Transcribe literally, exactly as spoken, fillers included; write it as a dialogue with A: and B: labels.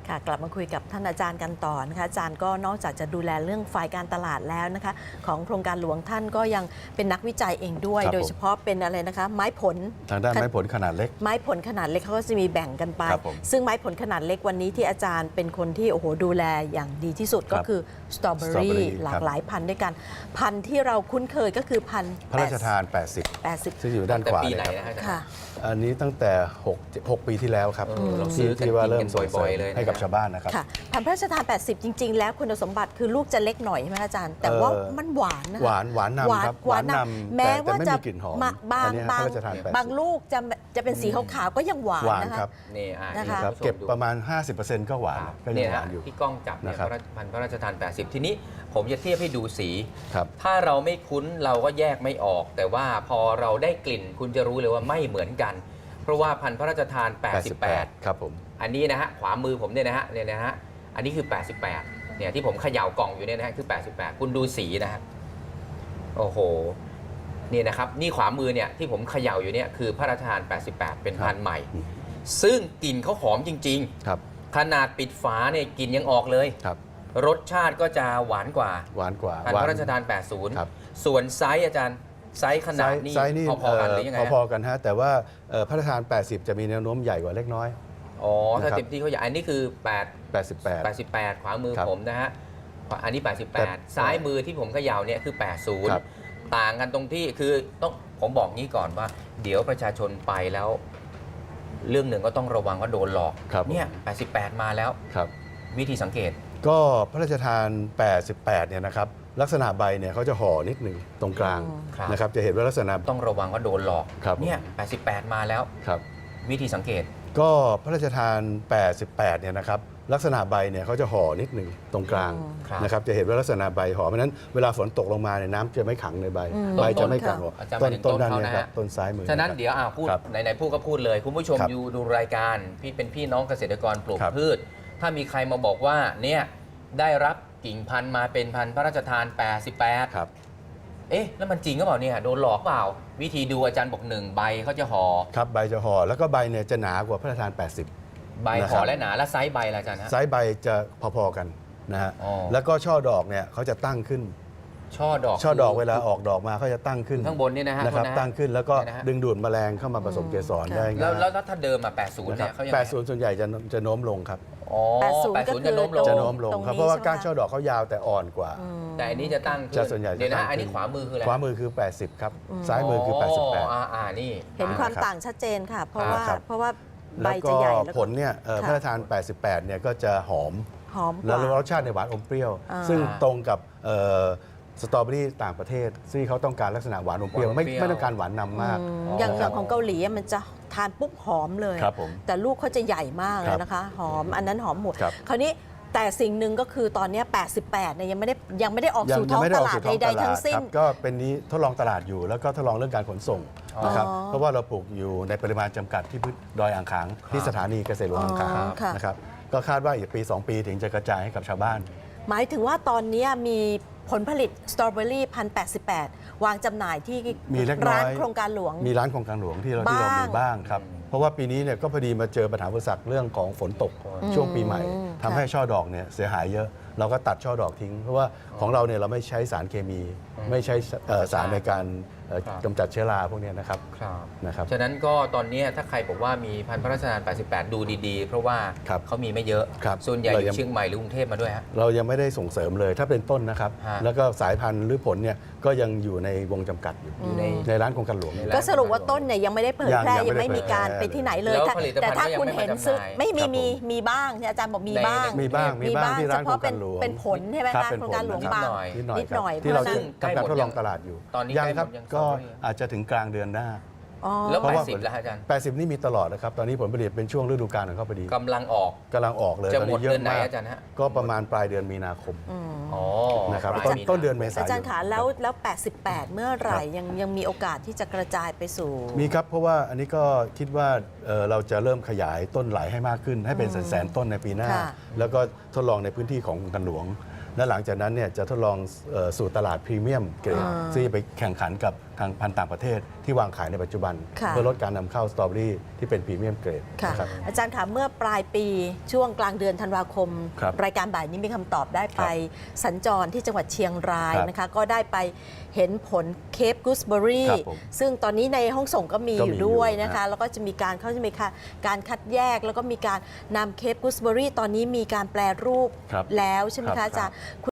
A: ค่ะกลับมาคุยกับท่านอาจารย์กันต่อนะคะอาจารย์ก็นอกจากจะดูแลเรื่องฝ่ายการตลาดแล้วนะคะของโครงการหลวงท่านก็ยังเป็นนักวิจัยเองด้วยโดยเฉพาะเป็นอะไรนะคะไม้ผล
B: ทางด้านไม้ผลขนาดเล็ก
A: ไม้ผลขนาดเล็กเขาก็จะมีแบ่งกันไปซึ่งไม้ผลขนาดเล็กวันนี้ที่อาจารย์เป็นคนที่โอ้โหดูแลอย่างดีที่สุดก็คือสตรอเบอรี่หลากหลายพันธุ์ด้วยกันพันธุ์ที่เราคุ้นเคยก็คือพันธุ์
B: พระราชทานแปดสิบ
A: แปดสิบ
B: ซึ่งอยู่ด้านขวาเลย
A: ค่ะ
B: อันนี้ตั้งแต่หกปีที่แล้วครับที่ที่ว่าเริ่มส่งเสริมให้กับชาวบ้านนะครับ
A: ค่ะพันธุ์พระราชทานแปดสิบจริงๆแล้วคุณสมบัติคือลูกจะเล็กหน่อยใช่ไหมอาจารย์แต่ว่ามันหวานนะ
B: หวานหวานนำครับ
A: หวานนำแม้ว่าจะบางบางบางลูกจะจะเป็นสีขาวๆก็ยังหวานนะคะ
C: นี่
A: นะคะ
B: เก็บประมาณ ห้าสิบเปอร์เซ็นต์ ก็หวานก็ยังหวานอยู่
C: ที่กล้องจับเนี่ยพันธุ์พระราชทานแปดสิบทีนี้ผมจะเทียบให้ดูสีถ้าเราไม่คุ้นเราก็แยกไม่ออกแต่ว่าพอเราได้กลิ่นคุณจะรู้เลยว่าไม่เหมือนกันเพราะว่าพันธุ์พระราชทานแปดสิบแปด
B: ครับผม
C: อันนี้นะฮะขวามือผมเนี่ยนะฮะเนี่ยนะฮะอันนี้คือแปดสิบแปดเนี่ยที่ผมเขย่ากล่องอยู่เนี่ยนะฮะคือแปดสิบแปดคุณดูสีนะฮะโอ้โหนี่นะครับนี่ขวามือเนี่ยที่ผมเขย่าอยู่เนี่ยคือพระราชทานแปดสิบแปดเป็นพันธุ์ใหม่ซึ่งกลิ่นเขาหอมจริง
B: ๆครับ
C: ขนาดปิดฝาเนี่ยกลิ่นยังออกเลย
B: ครับ
C: รสชาติก็จะหวานกว่า
B: หวานกว่า
C: พันธุ์พระราชทานแปดสิบส่วนไซส์อาจารย์ไซส์ขนาดนี้พอๆกันหรือยังไง
B: พอๆกันฮะแต่ว่าพระราชทานแปดสิบจะมีแนวโน้มใหญ่กว่าเล็กน้อย
C: อ๋อถ้าเต็มที่เขาใหญ่อันนี้คือแปด
B: แปดสิบแปด
C: แปดสิบแปดขวามือผมนะฮะอันนี้แปดสิบแปดซ้ายมือที่ผมเขย่าเนี่ยคือแปดสิบต่างกันตรงที่คือต้องผมบอกงี้ก่อนว่าเดี๋ยวประชาชนไปแล้วเรื่องหนึ่งก็ต้องระวังว่าโดนหลอกเนี่ยแปดสิบแปดมาแล้ววิธีสังเกต
B: ก็พระราชทานแปดสิบแปดเนี่ยนะครับลักษณะใบเนี่ยเขาจะห่อนิดหนึ่งตรงกลางนะครับจะเห็นว่าลักษณะ
C: ต้องระวังว่าโดนหลอกเนี่ยแปดสิบแปดมาแล้ววิธีสังเกต
B: ก็พระราชทานแปดสิบแปดเนี่ยนะครับลักษณะใบเนี่ยเขาจะห่อนิดหนึ่งตรงกลางนะครับจะเห็นว่าลักษณะใบห่อเพราะนั้นเวลาฝนตกลงมาเนี่ยน้ำจะไม่ขังในใบใบจะไม่กัดต้นต้นด้านนี้ครับต้นซ้ายมือ
C: ฉะนั้นเดี๋ยวอ่าพูดไหนๆพูดก็พูดเลยคุณผู้ชมอยู่ดูรายการพี่เป็นพี่น้องเกษตรกรปลูกพืชถ้ามีใครมาบอกว่าเนี่ยได้รับกิ่งพันธุ์มาเป็นพันธุ์พระราชทานแปดสิบแปด
B: ครับ
C: เอ๊ะแล้วมันจริงหรือเปล่าเนี่ยโดนหลอกเปล่าวิธีดูอาจารย์บอกหนึ่งใบเขาจะห่อ
B: ครับใบจะห่อแล้วก็ใบเนี่ยจะหนากว่าพระราชทานแปดสิบ
C: ใบห่อและหนาและไซส์ใบละอาจารย์ฮะ
B: ไซส์ใบจะพอๆกันนะฮะแล้วก็ช่อดอกเนี่ยเขาจะตั้งขึ้น
C: ช่อดอก
B: ช่อดอกเวลาออกดอกมาเขาจะตั้งขึ้น
C: ข้างบนนี่นะฮะ
B: นะครับตั้งขึ้นแล้วก็ดึงดูดแมลงเข้ามาผสมเกสรได้
C: แล้วแล้วถ้าเดิมมาแปดสิบเนี่ยเขายังไง
B: แปดสิบส่วนใหญ่จะจะโน้มลงครับ
C: อ๋อแปดสิบจะโน้มลง
B: จะโน้มลงครับเพราะว่าก้านช่อดอกเขายาวแต่อ่อนกว่า
C: แต่อันนี้จะตั้ง
B: จะส่วนใหญ่
C: เดี๋ยวนะอันนี้ขวามือคืออะไร
B: ขวามือคือแปดสิบครับซ้ายมือคือแปดสิบแปด
C: อ่าอ่านี่
A: เห็นความต่างชัดเจนค่ะเพราะว่าเพราะว่าใบจะใหญ่
B: แล้วผลเนี่ยพระราชทานแปดสิบแปดเนี่ยก็จะหอม
A: หอม
B: แล้วรสชาติในหวานอมเปรี้ยวซึ่งตรงกับสตรอเบอรี่ต่างประเทศซึ่งเขาต้องการลักษณะหวานอมเปรี้ยวไม่ไม่ต้องการหวานนำมาก
A: อย่างอย่างของเกาหลีมันจะทานปุ๊บหอมเลยแต่ลูกเขาจะใหญ่มากเลยนะคะหอมอันนั้นหอมหมดคราวนี้แต่สิ่งหนึ่งก็คือตอนนี้แปดสิบแปดเนี่ยยังไม่ได้ยังไม่ได้ออกสู่ท้องตลาดใดๆทั้งสิ้น
B: ก็เป็นนี้ทดลองตลาดอยู่แล้วก็ทดลองเรื่องการขนส่งนะครับเพราะว่าเราปลูกอยู่ในปริมาณจำกัดที่ดอยอ่างขางที่สถานีเกษตรหลวงอ่างขางนะครับก็คาดว่าอีกปีสองปีถึงจะกระจายให้กับชาวบ้าน
A: หมายถึงว่าตอนนี้มีผลผลิตสตรอเบอรี่พันแปดสิบแปดวางจำหน่ายที่ร้านโครงการหลวง
B: มีร้านโครงการหลวงที่เราที่เรามีบ้างครับเพราะว่าปีนี้เนี่ยก็พอดีมาเจอปัญหาอุปสรรคเรื่องของฝนตกช่วงปีใหม่ทำให้ช่อดอกเนี่ยเสียหายเยอะเราก็ตัดช่อดอกทิ้งเพราะว่าของเราเนี่ยเราไม่ใช้สารเคมีไม่ใช้สารในการกำจัดเชื้อราพวกนี้นะครับนะครับ
C: ฉะนั้นก็ตอนนี้ถ้าใครบอกว่ามีพันธุ์พระราชทานแปดสิบแปดดูดีๆเพราะว่าเขามีไม่เยอะส่วนใหญ่อยู่เชียงใหม่หรือกรุงเทพมาด้วยฮะ
B: เรายังไม่ได้ส่งเสริมเลยถ้าเป็นต้นนะครับแล้วก็สายพันธุ์หรือผลเนี่ยก็ยังอยู่ในวงจำกัดอยู่ในในร้านโครงการหลวง
A: ก็สรุปว่าต้นเนี่ยยังไม่ได้เผยแพร่ยังไม่มีการไปที่ไหนเลยแต่ถ้าคุณเห็นซื้อไม่มีมีมีบ้างอาจารย์บอกมีบ้าง
B: มีบ้างมีบ้างที่ร้านโครงการหลวง
A: เป็นผลใช่ไหมคะโครงการหลวงบางนิดหน่อย
B: ที่เรากำลังทดลองตลาดอยู่ยังครับก็อาจจะถึงกลางเดือนหน้า
C: แล้วแปดสิบแล้วอาจารย์
B: แปดสิบนี่มีตลอดนะครับตอนนี้ผลผลิตเป็นช่วงฤดูกาลของเขาพอดี
C: กำลังออก
B: กำลังออกเลย
C: จะหมดเดือนไหนอาจารย์ฮะ
B: ก็ประมาณปลายเดือนมีนาคม
C: อ๋อ
B: นะครับต้นเดือนเมษายน
A: อาจารย์ขาแล้วแล้วแปดสิบแปดเมื่อไหร่ยังยังมีโอกาสที่จะกระจายไปสู่
B: มีครับเพราะว่าอันนี้ก็คิดว่าเราจะเริ่มขยายต้นไหลให้มากขึ้นให้เป็นแสนๆต้นในปีหน้าแล้วก็ทดลองในพื้นที่ของกันหลวงและหลังจากนั้นเนี่ยจะทดลองสู่ตลาดพรีเมียมเกรดซึ่งจะไปแข่งขันกับทางพันธุ์ต่างประเทศที่วางขายในปัจจุบัน
A: ค่ะ
B: เพื่อลดการนำเข้าสตรอเบอรี่ที่เป็นพรีเมียมเกรด
A: ค่ะ
B: นะครับ
A: อาจารย์คะเมื่อปลายปีช่วงกลางเดือนธันวาคม
B: ครับ
A: รายการบ่ายนี้มีคำตอบได้ไปสัญจรที่จังหวัดเชียงราย
B: ครับ
A: นะคะ ก็ได้ไปเห็นผลเคปกูสเบอรี่
B: ครับผม
A: ซึ่งตอนนี้ในห้องส่งก็มี
B: ก็
A: อ
B: มี
A: ยู่ด้วย
B: อยู่
A: นะคะ
B: นะ
A: แล้วก็จะมีการเขาจะมีค่ะการคัดแยกแล้วก็มีการนำเคปกูสเบอรี่ตอนนี้มีการแปลรูป
B: ครับ
A: แล้วใช่ไหม
B: ครั
A: คะ
B: บ
A: อาจารย์